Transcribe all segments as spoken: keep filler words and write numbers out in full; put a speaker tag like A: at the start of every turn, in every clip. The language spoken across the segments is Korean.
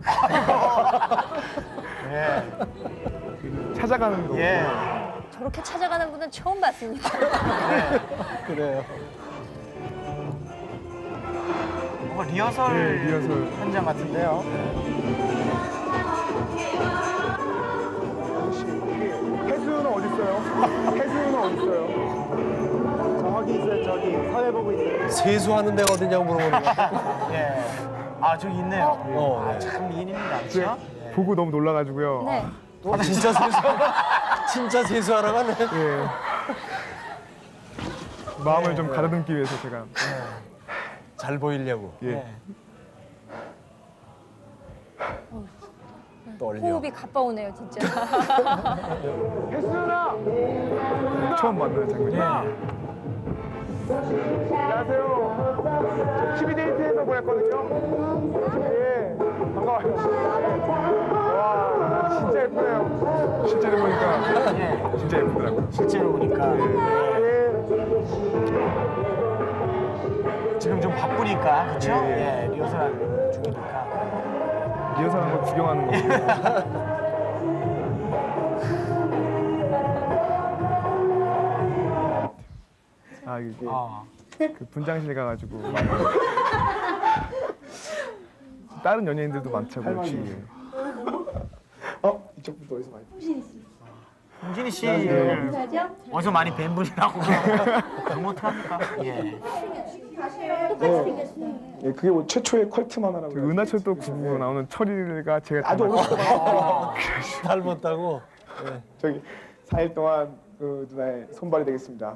A: 예.
B: 찾아가는 거.
A: 예.
C: 저렇게 찾아가는 분은 처음 봤습니다.
B: 그래요.
A: 뭔가 리허설,
B: 예, 리허설.
A: 현장 같은데요.
B: 해수는 어디 있어요? 해수는 어디 있어요?
D: 저기 있어요. 저기 사회 보고 있어요.
E: 세수하는 데가 어디냐고 물어보는 거야.
A: 예. 아, 저기 있네요.
E: 어,
A: 아,
E: 네.
A: 참 미인입니다. 그렇죠?
B: 보고 너무 놀라가지고요.
C: 네.
E: 어, 진짜 세수 진짜 세수하러 가네.
B: 예. 마음을
A: 네,
B: 좀
A: 네.
B: 가다듬기 위해서 제가.
E: 잘 보이려고.
B: 예.
A: 예.
E: 떨려.
C: 호흡이 가빠오네요, 진짜.
B: 혜수나! 처음 만나는 장면이에요. 안녕하세요. 저 티비 데이트에서 보냈거든요. 예. 반가워요. 와, 진짜 예쁘네요. 실제로 보니까
A: 예.
B: 진짜 예쁘더라고요.
A: 실제로 보니까.
B: 예.
A: 지금 좀 바쁘니까, 그렇죠?
B: 예, 예.
A: 예, 리허설 중이니까.
B: 리허설한 거 구경하는 거. 아, 이게
A: 아,
B: 그 분장실 가가지고 막 다른 연예인들도 많다고 주위에.
D: 어? 이쪽 분도 어디서 많이 보시
A: 홍진희 씨를 어디서 많이 뵌 분이라고 그럼 어떡합니까? 예.
D: 예, 그게 뭐 최초의 컬트 만화라고.
B: 그 은하철도 구구 나오는 철이가 제가
D: 아주
B: 닮았어요.
D: 오래전
E: 닮았다고.
D: 저기 사 일 동안 그 누나의 손발이 되겠습니다.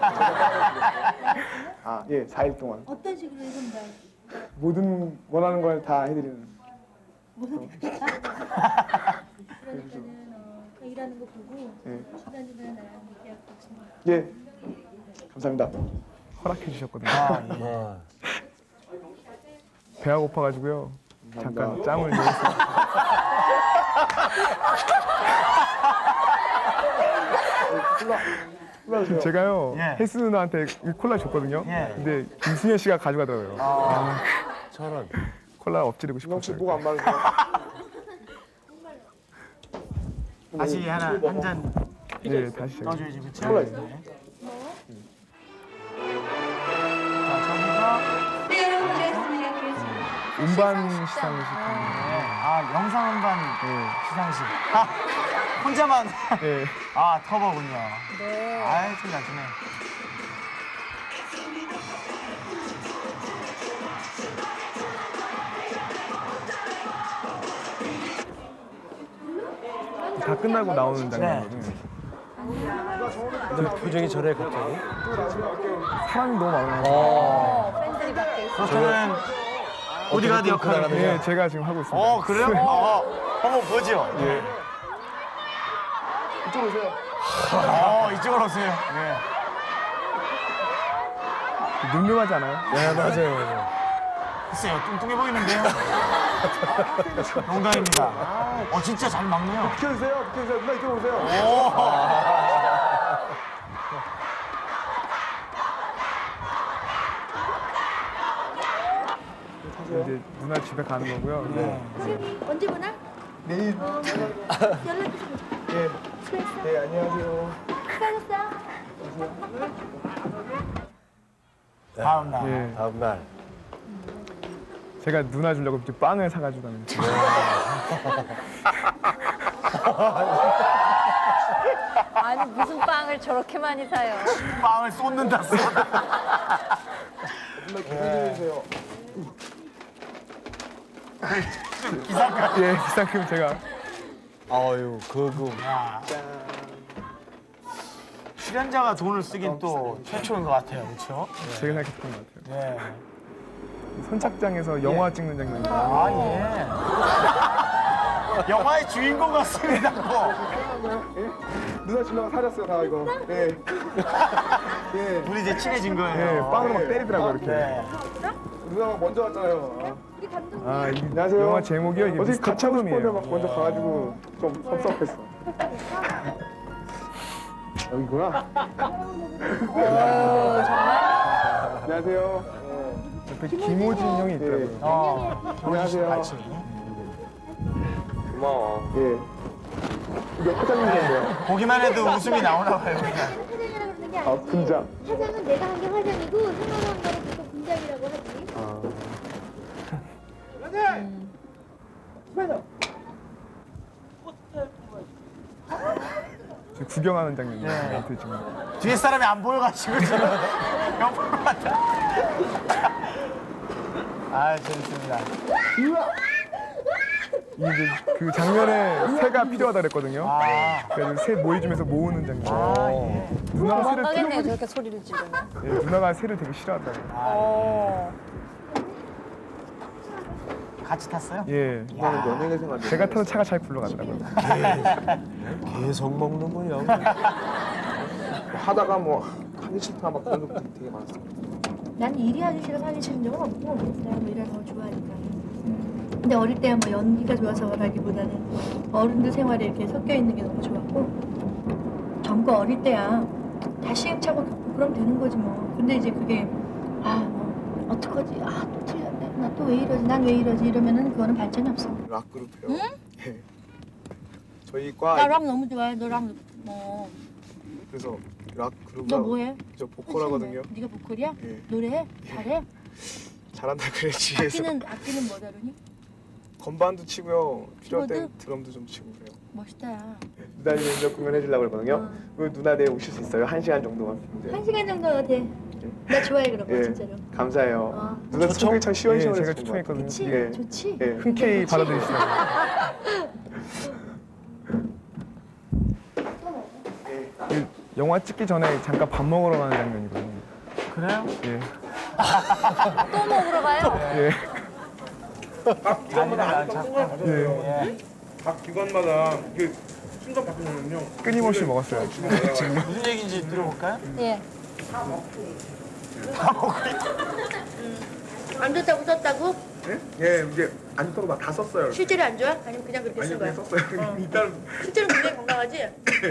D: 아, 예, 사 일 동안
F: 어떤 식으로 해본다?
D: 모든 원하는 걸 다 해드리는.
F: 그러니까는 어, 그 일하는 거 보고
D: 예.
F: 중간중간에 나랑 얘기하고 있습니다.
D: 예, 감사합니다.
B: 허락해 주셨거든요.
A: 아, 예.
E: 아,
B: 배가 고파가지고요. 잠깐
D: 감사합니다.
B: 짬을 내었어요. 제가요
A: 예.
B: 혜수 누나한테 이 콜라 줬거든요.
A: 예.
B: 근데 김승현 씨가 가져가더라고요. 아,
E: 저런.
B: 콜라 엎지르고
D: 혹시
B: 싶었어요.
D: 뭐가 안 맞으세요?
A: 다시 하나 한 잔
B: 예, 다시 제가.
A: 떠줘야지, 그렇죠?
D: 콜라 있어요.
A: 네. 자, 저기가
B: 음반 시상식.
A: 네. 아, 영상 음반
B: 예.
A: 시상식. 아, 혼자만
B: 예.
A: 아, 터보군요.
C: 네.
A: 아이, 참 나중에.
B: 다 끝나고 나오는 장면이에요.
E: 근데 표정이 저래 갑자기.
B: 사람이 너무 많아요.
C: 어, 팬들이 밖에 있어요.
A: 그렇다면 보디가드 역할을.
B: 예, 제가 지금 하고 있습니다.
A: 어, 그래요? 어, 한번 보죠.
B: 예.
D: 이쪽으로 오세요.
A: 어, 이쪽으로 오세요. 네.
B: 늠름하지 않아요?
E: 네, 맞아요, 맞아요.
A: 글쎄요, 뚱뚱해 보이는데요? 농담입니다. 어, 진짜 잘 막네요.
D: 비켜주세요. 비켜주세요. 누나 이쪽으로 오세요.
B: 이제 누나 집에 가는 거고요. 네.
F: 언제 보나?
D: 내일.
F: 연락 주세요.
D: 예.
F: 수고했어.
D: 네, 안녕하세요.
F: 수고하셨어.
A: 다음 날.
B: 예.
E: 다음 날.
B: 제가 누나 주려고 이제 빵을 사가지고 가는데.
C: 아니, 무슨 빵을 저렇게 많이 사요.
A: 빵을 쏟는다, 쏟아.
D: 누나 기다려 주세요.
B: 예, 기상금 제가.
E: 아유, 그거.
A: 야. 출연자가 돈을 쓰긴 또 최초인 것 같아요, 그렇죠?
B: 제가 생각했던 것 같아요.
A: 네.
B: 선착장에서 영화 찍는 장면이에요.
A: 아, 예. 영화의 주인공 같습니다, 뭐.
D: 누나 주려고 사렸어요, 다 이거. 예. 예.
A: 우리 이제 친해진 거예요.
B: 예, 빵으로 막 때리더라고요, 이렇게.
A: 네.
D: 누나가 먼저 왔잖아요.
F: 우리 감독님.
B: 아, 이
D: 안녕하세요.
B: 영화 제목이요? 이게
D: 어제
B: 미스터
D: 같이 하고 싶었는데
B: 푸름이에요.
D: 막 먼저 가가지고 좀 섭섭했어. 여기구나.
C: 오, 정말?
D: 안녕하세요.
B: 옆에 김호진 형이 있더라고요.
A: 어,
D: 안녕하세요.
A: 같이.
E: 고마워.
D: 예. 이게 화장인데요.
A: 보기만 해도 웃음이 나오나 봐요. 그냥.
F: 화장이라고 그러는 게
D: 아,
F: 아니지.
D: 분장.
F: 화장은 내가 한 게 화장이고 생활한 거는 보통 분장이라고 하지.
D: 아.
B: 저 구경하는 장면이에요.
A: 네.
B: 멘트 지금.
A: 뒤에 사람이 안 보여가지고 지금 옆으로 갔다. 아 재밌습니다.
B: 이게 이제 그 장면에 새가 필요하다 그랬거든요.
A: 아,
B: 그래서 새 모이 주면서 모으는 장면.
A: 아 예.
B: 누나가 새를
C: 도망가겠네요,
B: 되게,
C: 저렇게 소리를 지르면.
B: 예, 누나가 새를 되게 싫어한다고.
C: 어.
A: 같이 탔어요?
B: 예.
D: 이거는 연예계 생활.
B: 제가 타는 차가 잘 굴러가더라고요.
E: 계속 먹는군요.
D: 하다가 뭐 하기 싫다 막 그런 것도 되게 많았어요.
F: 난 일이 하기 싫어서 하기 싫은 적은 없고 내가 뭐 일하는 걸 좋아하니까. 근데 어릴 때야 뭐 연기가 좋아서라기보다는 어른들 생활에 이렇게 섞여 있는 게 너무 좋았고 젊고 어릴 때야 다 시행착오 겪고 그럼 되는 거지 뭐. 근데 이제 그게 아뭐 어떡하지? 아 또 틀렸네. 나 또 왜 이러지? 난 왜 이러지? 이러면은 그거는 발전이 없어.
D: 락 그룹이요. 예. 저희 과
F: 나 락 너무 좋아해. 너랑 뭐.
D: 그래서 락 그룹.
F: 너 뭐해?
D: 저 보컬하거든요.
F: 네가 보컬이야?
D: 예.
F: 노래해? 잘해?
D: 잘한다 그랬지. 그래서
F: 악기는 악기는 뭐 다루니?
D: 건반도 치고요. 필요할 땐
F: 키보드?
D: 드럼도 좀 치고 그래요.
F: 멋있다.
D: 누나님 먼저 공연해 주려고 그러거든요.
F: 어.
D: 그 누나 내일 오실 수 있어요. 한 시간 정도만. 네.
F: 한 시간 정도 돼. 나 좋아해 그런 거
D: 예.
F: 진짜로.
D: 감사해요.
F: 어.
D: 누나 소개 참
B: 예,
D: 시원시원해서
B: 제가
D: 좋은 것
B: 추천했거든요.
F: 그치?
D: 예.
F: 좋지?
D: 같아요. 예.
B: 흔쾌히 받아들이시라고. 그 영화 찍기 전에 잠깐 밥 먹으러 가는 장면이거든요.
A: 그래요?
B: 예.
C: 또 먹으러 가요?
B: 예.
A: 아니라 자꾸.
B: 예.
G: 각 기관마다 이게 순서 바뀌면요.
B: 끊임없이 먹었어요.
A: 무슨 얘기인지 들어볼까요?
C: 예.
F: 안 좋다고 썼다고?
D: 예? 예, 이제 안 좋다고 막 다 썼어요.
F: 실제로 안 좋아? 아니면 그냥 그렇게
D: 아니
F: 쓴
D: 그냥
F: 거야?
D: 썼어요. 일단
F: 실제로 굉장히 건강하지?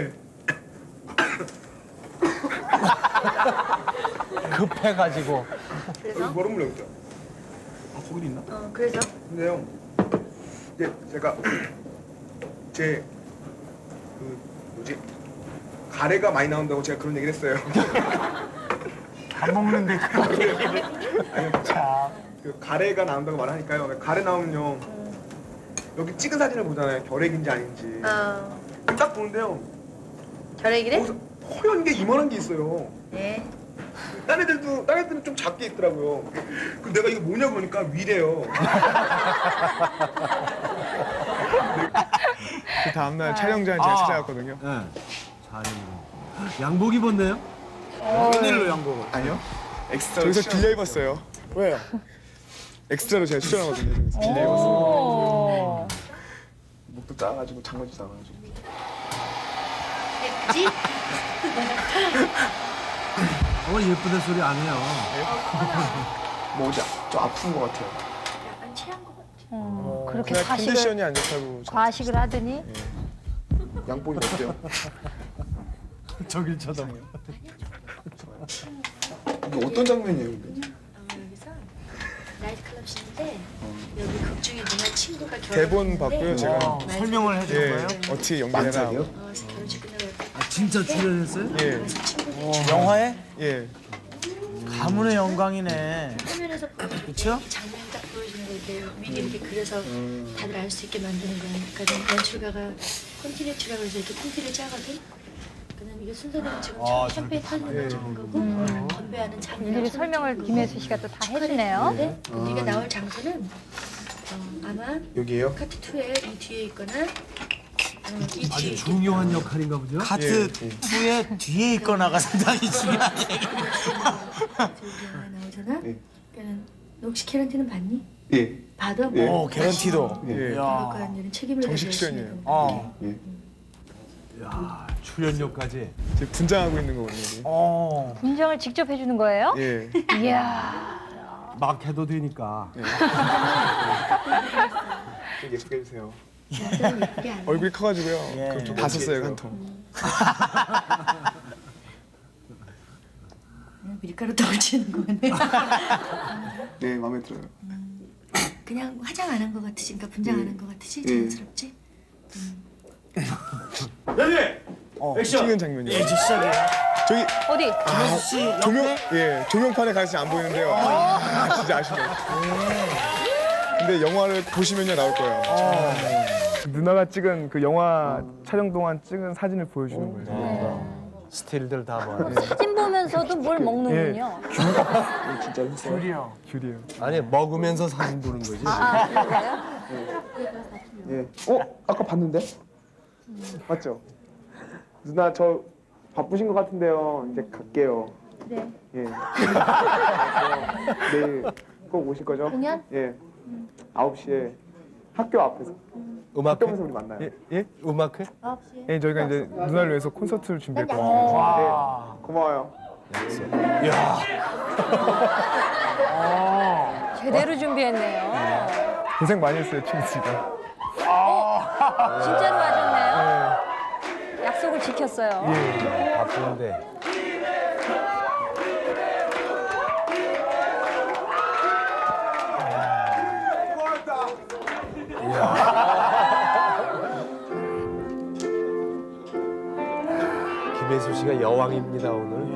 E: 급해가지고.
F: 그래서?
D: 여기 얼음물 여기 있죠. 아 거기도 있나?
F: 어 그래서?
D: 근데요. 이제 제가 제 그 뭐지 가래가 많이 나온다고 제가 그런 얘기를 했어요.
A: 밥 먹는데 그런 얘기를.
D: 아니
A: 참.
D: 그 가래가 나온다고 말하니까요. 가래 나오면요. 여기 찍은 사진을 보잖아요. 결핵인지 아닌지.
F: 어
D: 딱 보는데요.
F: 결핵이래?
D: 거기서 허연 게 이만한 게 있어요.
F: 네.
D: 딴 애들도 딴 애들은 좀 작게 있더라고요. 그 내가 이거 뭐냐 보니까 위래요.
B: 그 다음날 촬영장에 제가
A: 아.
B: 찾아갔거든요.
E: 네. 잘했네. 양복 입었네요?
A: 웬일로 양복을?
D: 아니요. 엑스트라
B: 저기서 빌려 입었어요.
D: 왜요?
B: 엑스트라로 제가 출연하거든요. 저기서 빌려 입었어요.
C: 오.
D: 목도 작아가지고 장관도 작아가지고.
F: 그지?
E: 어, 예쁘다 소리 안 해요.
D: 뭐지? 좀 아픈 것 같아요.
F: 약간 체한 것 같아.
C: 음, 그렇게
B: 그날
C: 과식을
B: 컨디션이 안 좋다고.
C: 과식을 하더니
D: 양복이 어때요?
E: 저길 쳐다봐요.
D: 이게 어떤 장면이에요? 근데?
F: 어, 여기서 나이트클럽 씬인데 여기 극 중에 누나 친구가 결혼
B: 대본 봤고요, 제가.
A: 어, 설명을 해주는
B: 예.
A: 거예요?
B: 어떻게 연기해라.
F: 어, 결혼식 끝나고
E: 아, 진짜 출연했어요?
B: 예.
F: 가서 친구들
A: 영화에?
B: 예.
A: 가문의 영광이네.
F: 화면에서
A: 그쵸?
F: 장면 딱 보여주는 거 이렇게 미리 이렇게 그려서 다들 알 수 있게 만드는 거야. 그러니까 연출가가 콘티네츠라고 해서 이렇게 콘티를 짜거든. 그다음 이게 순서대로 지금
A: 아,
F: 샴페인 터지는 적은 거고 건배하는 장면.
C: 일일이 설명을 김혜수 씨가 또 다 해주네요.
F: 네? 우리가 나올 장소는 어, 아마
D: 여기에요?
F: 카트 이에 이 뒤에 있거나 어, 이 뒤에
E: 아주 중요한 역할인가 보죠?
A: 카트 이에 뒤에 있거나가 상당히 중요한 얘기.
F: 영화 나오잖아.
D: 예.
F: 그러니까 너 혹시 캐런티는 봤니?
D: 예.
F: 봐도
D: 예.
A: 오, 개런티도.
B: 예.
A: 야.
F: 그러니까 이제는 책임을
B: 정식
F: 가져야
B: 출연이에요.
F: 했으니까.
A: 어.
D: 예.
E: 야, 출연료까지.
B: 제가 분장하고 있는 거거든요. 여기.
A: 어.
C: 분장을 직접 해주는 거예요?
B: 예.
C: 이야.
E: 막 해도 되니까.
D: 좀 예쁘게 해주세요.
F: 나도 예쁘게 안 해.
B: 얼굴이 커가지고요.
A: 예.
B: 그럼 좀 다 썼어요, 한 통.
F: 그냥 밀가루 떨치는 거네.
D: 네, 마음에 들어요.
F: 그냥 화장 안 한 거 같으지? 그러니까 분장 안 한 거 같으지?
D: 예.
F: 자연스럽지?
B: 어, 찍는 장면이에요.
A: 이제 시작이에요.
B: 저기
C: 어디?
A: 씨
B: 조명
A: 옆에
B: 예 조명판에 가시 안 보이는데요. 아, 진짜 아쉽네요. 근데 영화를 보시면요 나올 거예요. 누나가 찍은 그 영화 촬영 동안 찍은 사진을 보여주는 거예요.
E: 스틸들 다 봐.
C: 사진 보면서도 뭘 먹는군요.
A: 귤이요.
B: 귤이에요.
E: 아니 먹으면서 사진 보는 거지.
C: 아, 그래요?
B: 예. 어 아까 봤는데 맞죠? 누나 저 바쁘신 것 같은데요. 이제 갈게요.
F: 네.
B: 예. 내일 꼭 오실 거죠?
F: 공연?
B: 예. 아홉 시에 학교 앞에서.
E: 음악회?
B: 학교에서 우리 만나요. 예? 예?
E: 음악회?
F: 아홉 시에.
B: 예, 저희가 이제 누나를 위해서 콘서트를 준비했거든요.
A: 와.
B: 네, 고마워요.
C: 제대로 준비했네요.
B: 고생 많이 했어요, 친구 씨가.
C: 진짜로 와줬네요. 약속을 지켰어요.
B: 예.
E: 바쁜데. 김혜수 씨가 여왕입니다 오늘.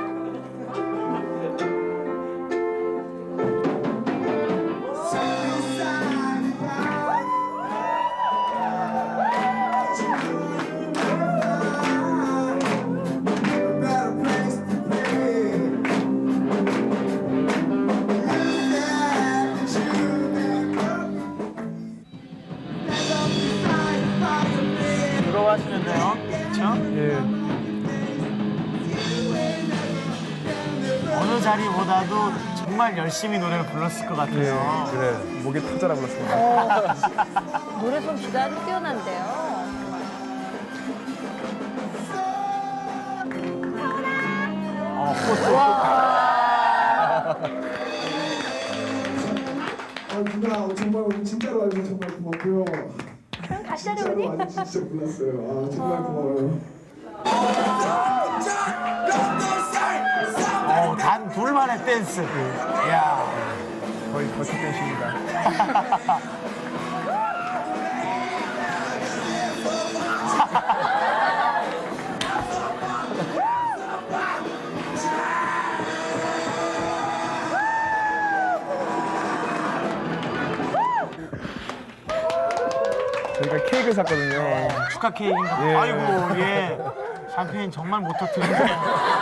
A: 부러워하시는데요. 그렇죠?
B: 예.
A: 어느 자리보다도 정말 열심히 노래를 불렀을 것 같아요.
B: 그래. 목에 타자라 불렀습니다.
C: 노래 솜씨가 아주 뛰어난데요.
A: 어, 꽃도.
H: 아 누나 정말 오늘 진짜로 와주셔서 정말 고맙고요.
F: 그럼 가시죠,
H: 진짜로
F: 우리.
H: 와주셔서 진짜 몰랐어요. 아 정말 고마워요.
A: 어, 단 둘만의 댄스. 이야.
B: 거의 버티 댄스입니다. 저희가 케이크를 샀거든요.
A: 축하 케이크인가?
B: 예.
A: 아이고, 예. 샴페인 정말 못 터뜨리네요.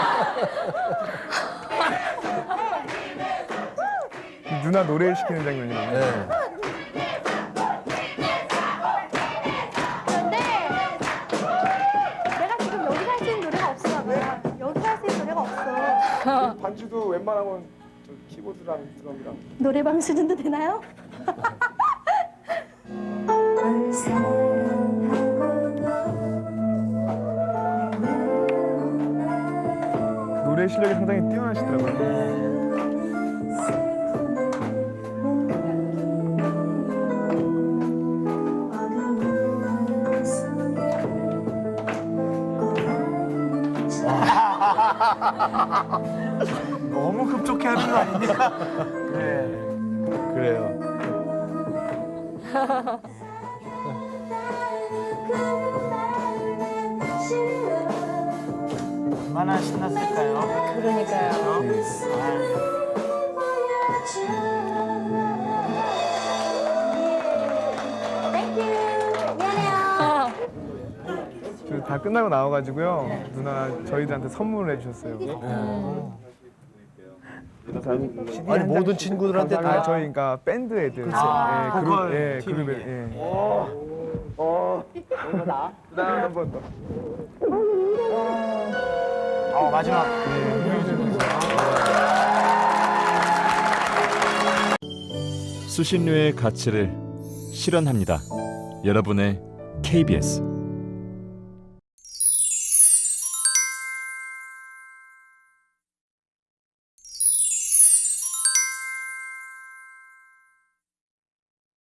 B: 누나 노래 시키는 장면이에요.
E: 네.
F: 근데 내가 지금 여기서 할 수 있는 노래가 없어 봐요. 여기서 할 수 있는 노래가 없어.
B: 반주도 웬만하면 저 키보드랑 드럼이랑.
F: 노래방 수준도 되나요?
B: 노래 실력이 상당히 뛰어나시더라고요.
A: 너무 흡족해 하는 거 아닙니까? 네.
E: 그래요.
A: 얼마나 신났을까요?
C: 그러니까요.
B: 저다 끝나고 나와가지고요. 누나 저희들한테 선물을 해주셨어요.
E: 아니 모든 친구들한테
B: 아,
E: 다
B: 저희 그러니까 밴드 애들.
A: 아,
B: 예,
A: 보컬
B: 그룹, 예,
A: 팀.
B: 그룹, 예. 어, 이거다. 그다음 한번 더.
A: 어, 마지막.
I: 수신료의 가치를 실현합니다. 여러분의 케이비에스